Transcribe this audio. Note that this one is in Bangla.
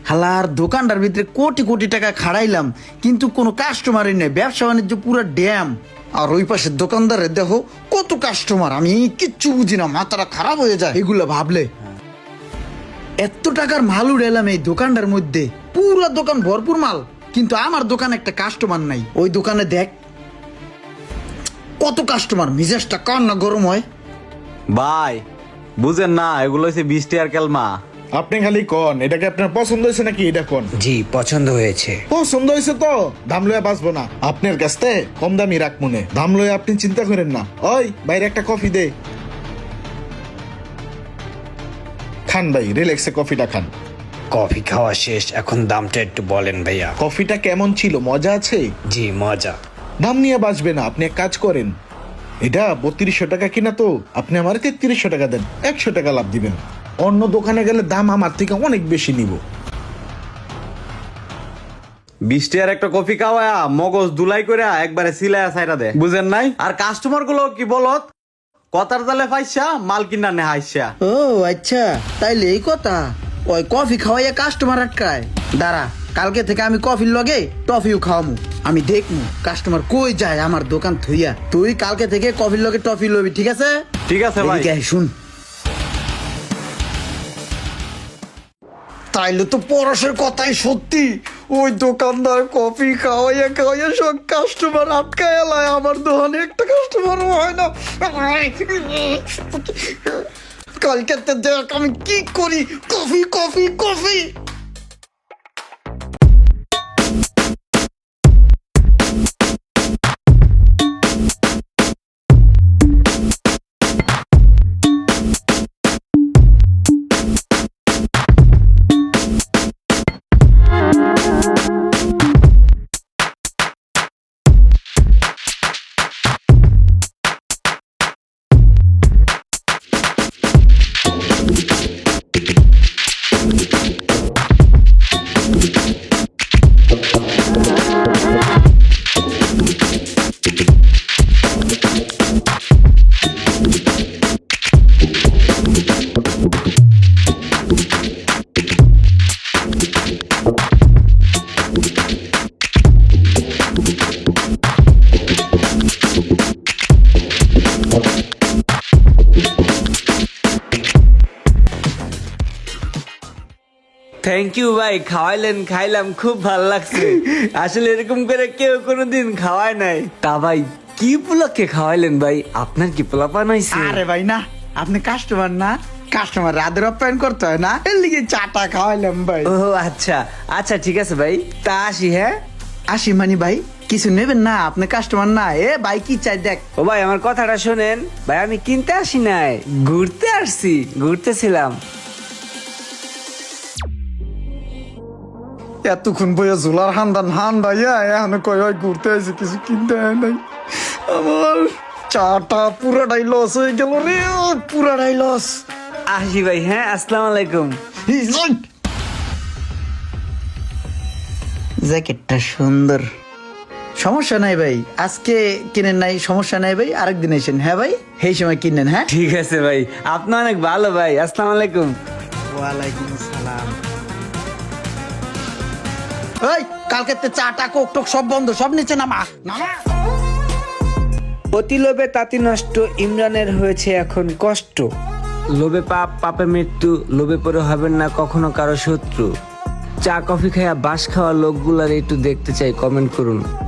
হালার দোকানটার ভিতরে কোটি কোটি টাকা খাড়াইলাম, কিন্তু কোনো কাস্টমারই নেই, ব্যবসা বাণিজ্য পুরো ড্যাম। আর ওই পাশের দোকানদারের দেখো কত কাস্টমার, আমি কিচ্ছু বুঝি না, মাথাটা খারাপ হয়ে যায় এগুলো ভাবলে। এত টাকার মাল উড়াইলাম এই দোকানটার মধ্যে, পুরো দোকান ভরপুর মাল, কিন্তু আমার দোকানে একটা কাস্টমার নাই। ওই দোকানে দেখ কত কাস্টমার, মিজাজটা কার না গরম হয়। ভাই বুঝেন না, এগুলো হচ্ছে 20 টাকার কেলমা। আপনি খালি কোন এটাকে আপনার পছন্দ হয়েছে নাকি, এটা কোন? জি পছন্দ হয়েছে। পছন্দ হয়েছে তো দাম লয়ে বাঁচবো না, আপনার কাছ থেকে কম দামি রাখ মনে, দাম লয়ে আপনি চিন্তা করেন না। ওই বাইরে একটা কফি দে, খান ভাই, রিল্যাক্সে কফিটা খান। কফি খাওয়া শেষ, এখন দামটা একটু বলেন ভাইয়া। কফিটা কেমন ছিল, মজা আছে? জি মজা। দাম নিয়ে বাঁচবে না, আপনি এক কাজ করেন, এটা 3200 টাকা কিনা তো, আপনি আমার 3300 টাকা দেন, 100 টাকা লাভ দিবেন। অন্য দোকানে গেলে দাম আমার থেকে অনেক বেশি নিব। 20 টাকার একটা কফি খাওয়া মগজ দুলাই করে একবারে সিলায়া সাইরা দে, বুঝেন নাই? আর কাস্টমার গুলো কি বলত, কথার তালে পাইছা মাল কিনা নে হাইসা। ও আচ্ছা, তাইলে এই কথা। ওই কফি খাওয়াইয়া কাস্টমার আটকায়, দাঁড়া কালকে থেকে আমি কফির লগে টফিও খাওয়ামু, আমি দেখমু কাস্টমার কই যায় আমার দোকান থইয়া। তুই কালকে থেকে কফির লগে টফি লবি, ঠিক আছে? ঠিক আছে ভাই। এদিকে আয়, শুন। তাইলে তো পরশের কথাই সত্যি, ওই দোকানদার কফি খাওয়াইয়া খাওয়াইয়া সব কাস্টমার আটকায় এলায়, আমার দোকানে একটা কাস্টমারও হয় না। কালকে দেখ আমি কি করি, coffee coffee coffee. Thank you ভাই, খাওয়াইলেন, খাইলাম, খুব ভালো লাগছে। আসলে এরকম করে কেউ কোনোদিন খাওয়ায় নাই। তা ভাই কি উপলক্ষে খাওয়াইলেন ভাই? আপনার কি পোলাপান হইছে? আরে ভাই না, আপনি কাস্টমার না, কাস্টমার রাদের আপ্যায়ন করতে হয় না, এর লিগে চাটা খাওয়াইলাম ভাই। ও আচ্ছা আচ্ছা, ঠিক আছে ভাই, তা আসি। হ্যাঁ আসি মানি ভাই, কিছু নেবেন না? আপনি কাস্টমার না? এ ভাই কি চাই দেখ। ও ভাই আমার কথাটা শোনেন ভাই, আমি কিনতে আসি নাই, ঘুরতে আসছি, ঘুরতেছিলাম। এতক্ষণ বইয়া ঝোলার হান্দা এখন কই হয় ঘুরতে আসি, কিছু কিনতে হয় নাই। আমার চাটা পুরাটাই লস হয়ে গেল রে, পুরাটাই লস। আসি ভাই, হ্যাঁ আসসালামু আলাইকুম। জ্যাকেটটা সুন্দর, সমস্যা নাই ভাই, আজকে কিনেন নাই সমস্যা নাই ভাই, আরেকদিন এসেন। হ্যাঁ ভাই, সেই সময় কিনেন। হ্যাঁ ঠিক আছে ভাই, আপনি অনেক ভালো ভাই, আসসালামু আলাইকুম। ওয়ালাইকুম আসসালাম। এই কালকে চাটা কোক টোক সব বন্ধ, সব নিচে নামা নামা। অতি লোভে তাঁতি নষ্ট, ইমরানের হয়েছে এখন কষ্ট। লোভে পাপ, পাপে মৃত্যু, লোভে পড়ে হবেন না কখনো কারো শত্রু। চা কফি খায়া বাস খাওয়া লোকগুলার একটু দেখতে চাই, কমেন্ট করুন।